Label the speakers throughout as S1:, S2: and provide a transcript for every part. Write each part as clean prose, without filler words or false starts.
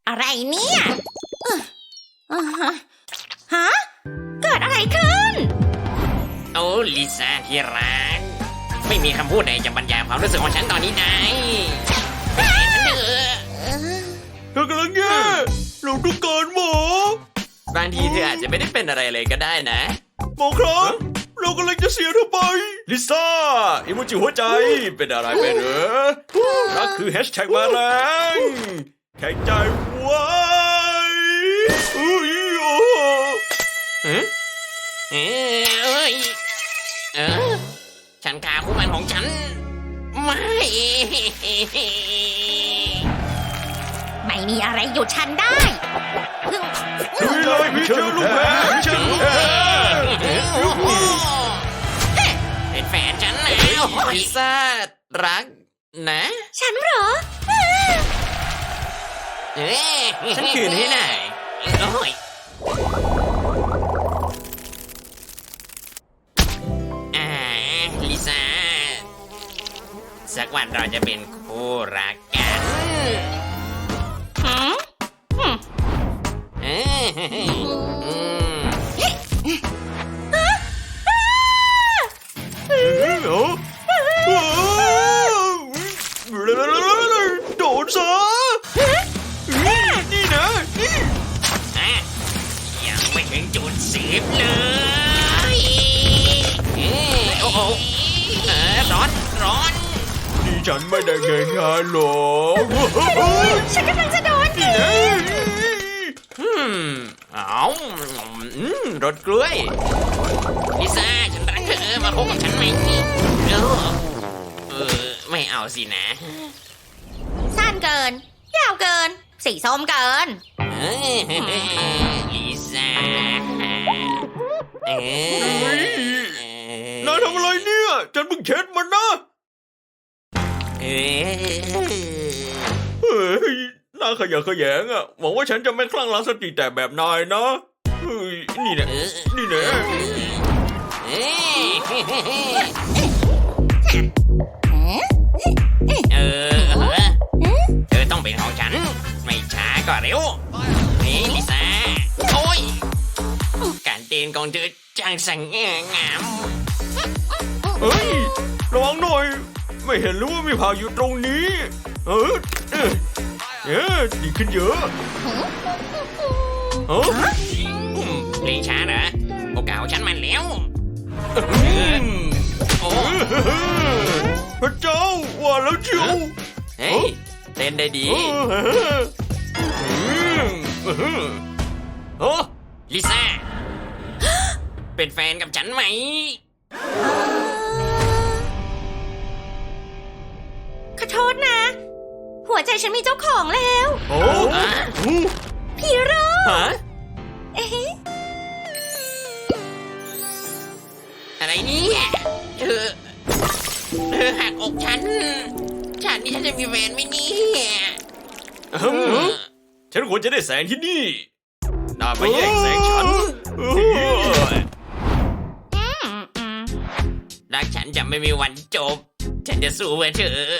S1: อะไรเนี่ยฮะเกิดอะไรขึ้น
S2: โอ้ลิซ่าที่รักไม่มีคำพูดใดจะบรรยายความรู้สึกของฉันตอนนี้ได้
S3: เธอกำลังแย่เราต้องการหม
S2: บางทีเธออาจจะไม่ได้เป็นอะไรเลยก็ได้นะ
S3: หมอครับเรากำลังจะเสียเธอไปลิซ่าอิโมจิหัวใจเป็นอะไรไปเหรอรักคือแฮชแท็กมาแรงแข็งใจไว้
S2: ฉันฆ่าคู่มันของฉัน
S1: ไม่มีอะไรหยุดฉันได้
S3: ลุยเลยพี่เจ้าลูกแพ้พี่เจ้าลูกแพ้
S2: เป็นแฟนฉันแล้วลิซ่ารักนะ
S1: ฉันเหรอ
S2: ฉันคืนให้หน่อยลิซ่าสักวันเราจะเป็นคู่รักกัน
S3: โดนซะนี่นะนี่
S2: ยังไม่ถึงจุด10เลยโอ้โหร้อน
S3: นี่ฉันไม่ได้ง่ายๆหรอก
S1: ฉันกำลังจะโดน
S2: รสกล้วยลิซ่าฉันรักเธอมาพบกับฉันไหมไม่เอาสินะ
S1: สั้นเกินยาวเกินสีส้มเกิน
S2: ลิซ่าน
S3: ายทำอะไรเนี่ยฉันเพิ่งเช็ดมันนะเฮ้ยน่าขยะแขยงอ่ะหวังว่าฉันจะไม่คลั่งรักสติแต่แบบนายนะเฮ้ยนี่แหละนี่แหละ
S2: เธอต้องเป็นของฉันไม่ช้าก็เร็วนี่ลิซ่าโอ้ยการเต้นของเธอช่างสง่างาม
S3: เฮ้ยระวังหน่อยไม่เห็นหรือว่ามีผ่าอยู่ตรงนี้ดีขึ้นเยอะ
S2: เพลงช้าเหรอโอกาสของฉันมันแล้ว
S3: พระเจ้าว่าแล้วเชียว
S2: เฮ้ยเต้นได้ดีลิซ่าเป็นแฟนกับฉันไหม
S1: ขอโทษนะหัวใจฉันมีเจ้าของแล้วพี่โร่
S2: อะไรเนี่ยเธอหักอกฉันนี่ฉันจะมีแฟนไหมเนี่ย
S3: ฉันควรจะได้แสงที่นี่น่าไปแย่งแสงฉัน
S2: รักฉันจะไม่มีวันจบฉันจะสู้เพื่อเธอ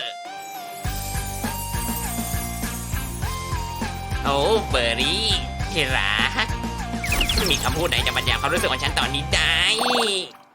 S2: โอ้เบอร์รี่ที่รักไม่มีคำพูดไหนจะบรรยายความรู้สึกของฉันตอนนี้ได้